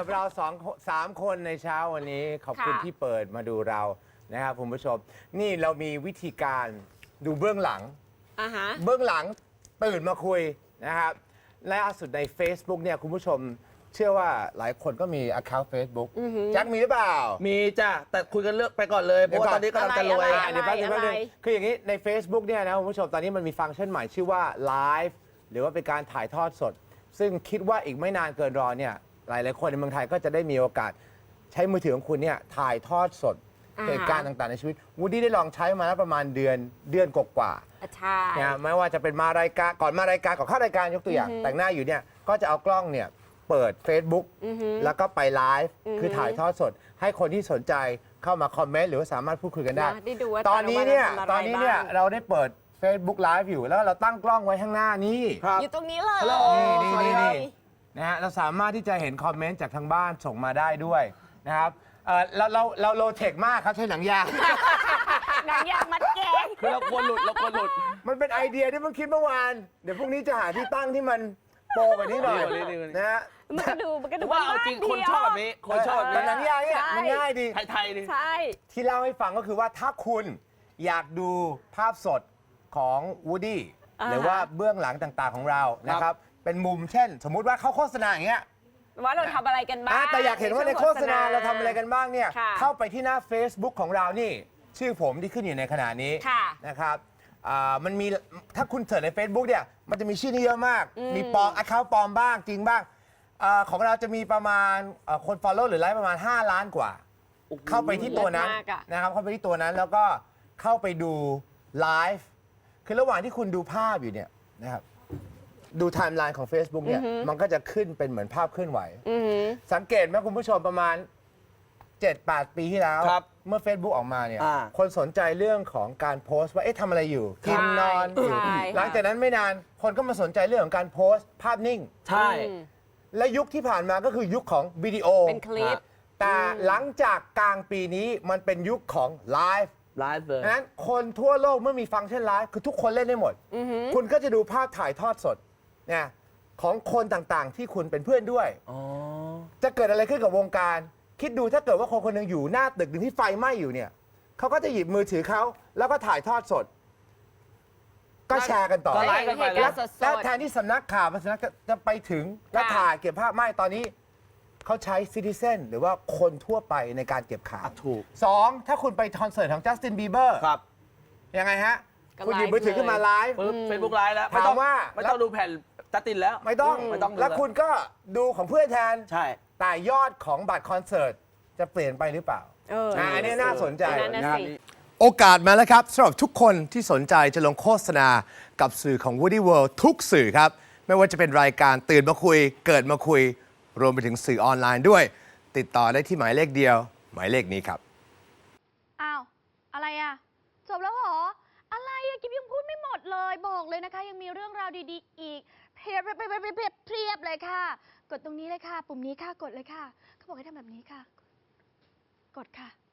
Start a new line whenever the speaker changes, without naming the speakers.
เรา3 คนในเช้าวันนี้ขอบคุณที่เปิดมาดูเรานะครับคุณผู้ชมนี่เรามีวิธีการดูเบื้องหลังเบื้องหลังตื่นมาคุยนะครับและล่าสุดใน Facebook เนี่ยคุณผู้ชมเชื่อว่าหลายคนก็มี account Facebook แจ็คมีหรือเปล่า
มีจ้ะแต่คุยกันเลือกไปก่อนเลยเพราะว่าตอนนี้กำลังจะรวย
เดี๋ยวแป๊บนึงคืออย่างนี้ใน Facebook เนี่ยนะคุณผู้ชมตอนนี้มันมีฟังก์ชันใหม่ชื่อว่า Live หรือว่าเป็นการถ่ายทอดสดซึ่งคิดว่าอีกไม่นานเกินรอเนี่ยหลายๆคนในเมืองไทยก็จะได้มีโอกาสใช้มือถือของคุณเนี่ยถ่ายทอดสดเหตุการณ์ต่างๆในชีวิตวูดดี้ได้ลองใช้มาแล้วประมาณเดือนกว่า
ใช่
นะไม่ว่าจะเป็นมารายการก่อนเข้ารายการยกตัวอย่างแต่งหน้าอยู่เนี่ยก็จะเอากล้องเนี่ยเปิด Facebook แล้วก็ไปไลฟ์คือถ่ายทอดสดให้คนที่สนใจเข้ามาคอมเมนต์หรือว่าสามารถพูดคุยกันได้ตอนนี้เนี่ยเราได้เปิด Facebook Live อยู่แล้วเราตั้งกล้องไว้ข้างหน้านี้
อยู่ตรงนี้เลย
นี่นะฮะเราสามารถที่จะเห็นคอมเมนต์จากทางบ้านส่งมาได้ด้วยนะครับเราโลเทคมากครับใช้หนังยาง
หนังยางมัดแกง
คือเราควรหลุด
มันเป็นไอเดียที่เพิ่งคิดเมื่อวานเดี๋ยวพรุ่งนี้จะหาที่ตั้งที่มันโปรกว่านี้หน่อยนะฮะ
มันก็ดู
ว่าเอาจริงคนชอบแบบนี้คนชอบแบบนี้
หนังยางเนี่ยมันง่ายดี
ไทยดิ
ใช่
ที่เล่าให้ฟังก็คือว่าถ้าคุณอยากดูภาพสดของวูดดี้หรือว่าเบื้องหลังต่างๆของเรานะครับเป็นมุมเช่นสมมุติว่าเขาโฆษณาอย่างเงี้ย
ว่าเราทำอะไรกันบ้าง
แต่อยากเห็นว่าในโฆษณาเราทำอะไรกันบ้างเนี่ยเข้าไปที่หน้า Facebook ของเรานี่ชื่อผมที่ขึ้นอยู่ในขณะนี้นะครับมันมีถ้าคุณเสิร์ชใน Facebook เนี่ยมันจะมีชื่อนี้เยอะมากมีปลอม account ปลอมบ้างจริงบ้างของเราจะมีประมาณคน follow หรือไลค์ประมาณ5 ล้านกว่าเข้าไปที่ตัวนั้นนะครับเข้าไปที่ตัวนั้นแล้วก็เข้าไปดูไลฟ์คือระหว่างที่คุณดูภาพอยู่เนี่ยนะครับดูไทม์ไลน์ของ Facebook เนี่ยมันก็จะขึ้นเป็นเหมือนภาพเคลื่อนไหวสังเกตไหมคุณผู้ชมประมาณ 7-8 ปีที่แล้วเมื่อ Facebook ออกมาเนี่ยคนสนใจเรื่องของการโพสต์ว่าเอ๊ะทำอะไรอยู่กินนอนอยู่หลังจากนั้นไม่นานคนก็มาสนใจเรื่องของการโพสต์ภาพนิ่ง
ใช่
และยุคที่ผ่านมาก็คือยุคของวิดีโอ
เป็นคลิป
แต่หลังจากกลางปีนี้มันเป็นยุคของไลฟ์
เลย
นั้นคนทั่วโลกเมื่อมีฟังก์ชันไลฟ์คือทุกคนเล่นได้หมดคุณก็จะดูภาพถ่ายทอดสดเนี่ยของคนต่างๆที่คุณเป็นเพื่อนด้วยจะเกิดอะไรขึ้นกับวงการคิดดูถ้าเกิดว่าคนคนหนึ่งอยู่หน้าตึกหนึ่งที่ไฟไหม้อยู่เนี่ยเขาก็จะหยิบมือถือเขาแล้วก็ถ่ายทอดสดก็แชร์กันต่อแล้วแทนที่สำนักข่าวสำนักจะไปถึงและถ่ายเก็บภาพไม่ตอนนี้เขาใช้ซิติเซนหรือว่าคนทั่วไปในการเก็บข่าว
ถูก
2ถ้าคุณไปคอนเสิร์ตของจัสตินบีเบอร์
ครับ
ยังไงฮะคุณหยิบมือถือขึ้นมาไลฟ์
เฟซบุ๊กไลฟ์แล้ว
ถามว่า
ไม่ต้องดูแผ่นจัสตินแล้ว
ไม่ต้องแล้วคุณก็ดูของเพื่อนแทน
ใช่
แต่ยอดของบัตรคอนเสิร์ตจะเปลี่ยนไปหรือเปล่าอันนี้น่าสนใจโอกาสมาแล้วครับสำหรับทุกคนที่สนใจจะลงโฆษณากับสื่อของ Woody World ทุกสื่อครับไม่ว่าจะเป็นรายการตื่นมาคุยเกิดมาคุยรวมไปถึงสื่อออนไลน์ด้วยติดต่อได้ที่หมายเลขเดียวหมายเลขนี้ครับ
อ้าวอะไรอ่ะจบแล้วเหรออะไรอ่ะกิ๊บยังพูดไม่หมดเลยบอกเลยนะคะยังมีเรื่องราวดีๆอีกเพียบเลยค่ะกดตรงนี้เลยค่ะปุ่มนี้ค่ะกดเลยค่ะเขาบอกให้ทำแบบนี้ค่ะกดค่ะ